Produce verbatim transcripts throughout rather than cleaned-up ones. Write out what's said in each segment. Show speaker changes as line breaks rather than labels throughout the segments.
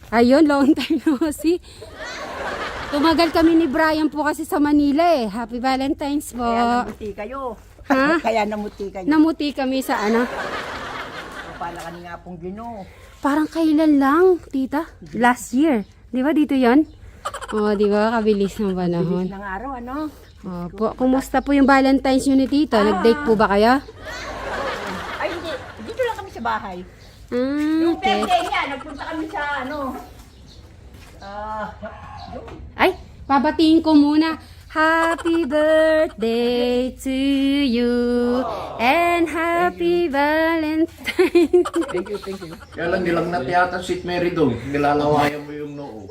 Ayun, long time no see. Tumagal kami ni Brian po kasi sa Manila eh. Happy Valentine's po.
Kaya namuti kayo.
Ha?
Kaya namuti kayo.
Namuti kami sa ano.
Pala ka nga pong Gino.
Parang kailan lang, tita? Last year. Di ba dito yon? Oh, di ba? Kabilis ng panahon.
Bilis ng araw, ano?
Opo. Kumusta po yung Valentine's nyo ni tita? Nag-date po ba kayo?
Ay, hindi. Dito lang kami sa bahay.
Ah,
Yung
okay.
birthday niya, nagpunta kami sa ano. Ah, yun.
Ay, babatiin ko muna. Happy birthday to you and happy Valentine's.
Thank you, thank you.
Kaya lang nilagnat yata si Mary doon. Nilalawayan mo yung noo.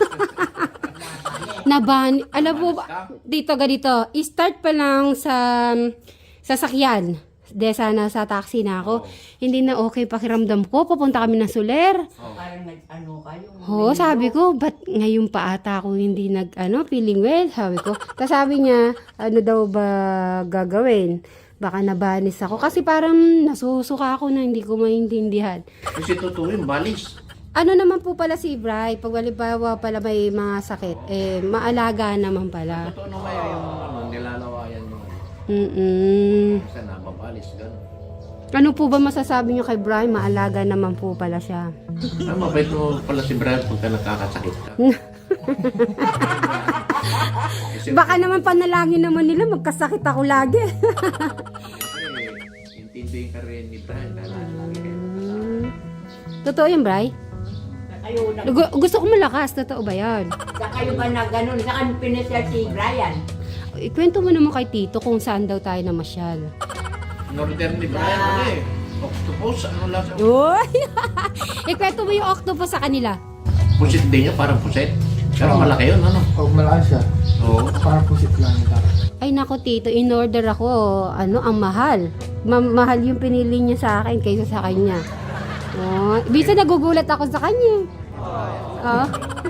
Naban, alam mo ba, dito ganito, i-start pa lang sa sasakyan. De sana sa taxi na ako. Hindi na okay pakiramdam ko. Papunta kami ng Soler.
Parang nag-ano kayo.
Oo, sabi ko, ba't ngayon pa ata ako hindi nag, ano, feeling well? Sabi ko. Tapos sabi niya, ano daw ba gagawin? Baka nabanis ako. Kasi parang nasusuka ako na hindi ko maintindihan.
Kasi totoo yung balis.
Ano naman po pala si Bri, pag walibawa pala may mga sakit, eh, maalaga naman pala.
Totoo naman yung ano, nilalawayan mo.
Mm-mm.
Kasi nababalis, gano'n.
Ano po ba masasabi niyo kay Bri? Maalaga naman po pala siya.
Ah, mabait mo pala si Brian pagka nakakasakit ka. Kasi,
Baka naman panalangin naman nila, magkasakit ako lagi.
eh, intindihin ka rin ni Brian dahil lagi kayo kasama.
Mm. Totoo yun, Bri?
Kayo na,
Gu- gusto ko malakas, totoo ba yan?
sa kayo ba na ganun? Saan pinasya si Brian?
Ikwento mo naman kay Tito kung saan daw tayo namasyal.
Northern ni Brian, ano eh. Octopus, ano lang sa...
Uy! Ikwento mo yung octopus sa kanila.
Pusit din niya, parang pusit. Pero malaki yun, ano?
Pag malaki siya,
Oo.
parang pusit lang ito.
Ay nako Tito, in order ako, ano, ang mahal. Ma- mahal yung pinili niya sa akin kaysa sa kanya. Oh, bisa nagugulat ako sa kanya. Oh.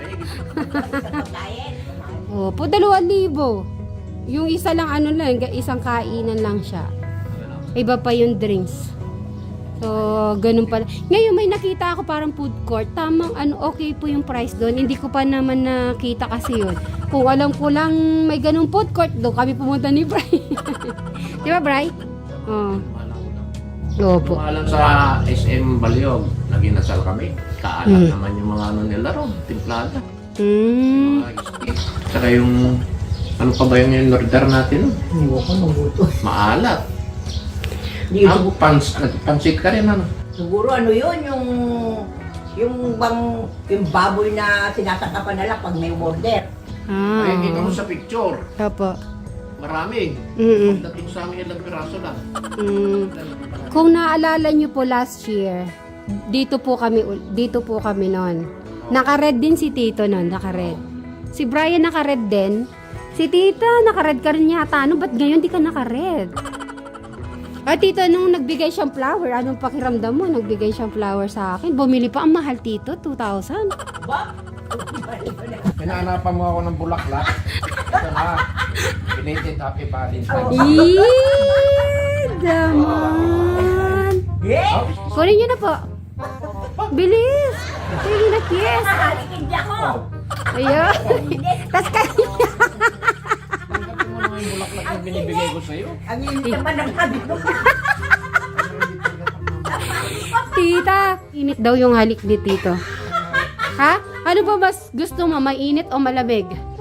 Oh, po dalawang libo. Yung isa lang ano lang, isang kainan lang siya. Iba pa yung drinks. So, ganun pala. Ngayon may nakita ako parang food court. Tamang ano, okay po yung price doon. Hindi ko pa naman nakita kasi yun. Kung alam ko lang may ganung food court, doon kami pumunta ni Bri. Di ba, Bri? Oh. Opo.
Tumalan sa S M Baliog, naginasal kami. Kaalat
Hmm.
naman yung mga ano nila ron, timplada.
Hmm.
Mga steak. Saka yung, ano pa ba yung yung order natin?
Hindi ko nung buto.
Maalat.
Di,
Ang pans, nagpansit ka rin, ano?
siguro ano yun, yung yung bang yung baboy na sinasakapan na lang pag may order.
Ah.
Ay, kita mo sa picture.
Opo.
Marami.
Mm-mm.
Dating sa amin ilang piraso lang.
Mm. Kung naalala niyo po last year, dito po kami ul- dito po kami noon. Naka-red din si Tito noon, naka-red. Si Brian naka-red din. Si Tita naka-red ka rin yata. Ano ba't ngayon di ka naka-red? Ah, Tito, nung nagbigay siyang flower, anong pakiramdam mo? Nagbigay siyang flower sa akin. Bumili pa ang mahal, Tito, two thousand.
Ba?
Hinahanapan mo ako ng bulaklak. Ito na. Belated happy Valentine's.
Eee, daman.
Yeah!
Kunin niyo na po. Bilis. Sige na, yes.
Halikin di ako!
Ayun. Tapos kanya.
Tanggapin mo naman yung bulaklak na binibigay ko sa'yo.
Ang init naman ng kabit mo.
Tita, init daw yung halik ni Tito. Ha? Ano ba mas gusto mo, mainit o malamig?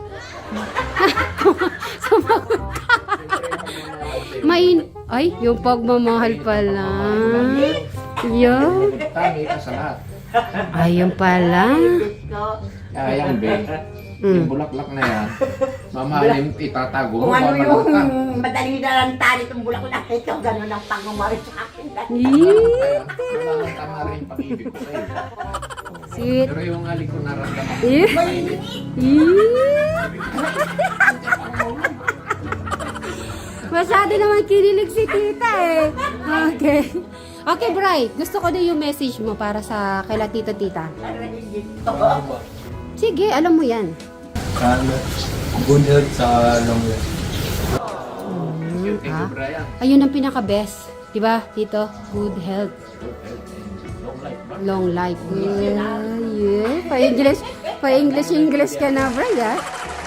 Sumagot ka. Main... Ay, yung pagmamahal pala. Yun.
Tangi ka sa lahat.
Ayun pala.
Kaya yan, be.
Mm.
Yung bulaklak na yan, mamahalin itatago mo,
Kung ano
babalak ka.
yung madaling na lang tali itong bulaklak ito, gano'n ang pagmamari sa akin.
Eee.
Kaya, tama rin yung pag-ibig ko sa'yo.
Sweet.
Pero yung halik ko naramdaman ko.
Eee. Eee. Masyado naman kinilig si Tita eh. Okay. Okay, Bri. Gusto ko din yung message mo para sa kaila Tito Tita. Sige, alam mo yan.
Sana good health sa long life.
Thank you, thank you,
Ah.
Brian.
Ayun ang pinaka-best. Diba, Tito? Good health.
Long life, ba?
Long life. Yeah, Yeah, pa-English, pa-English, English ka na, Bray, ah.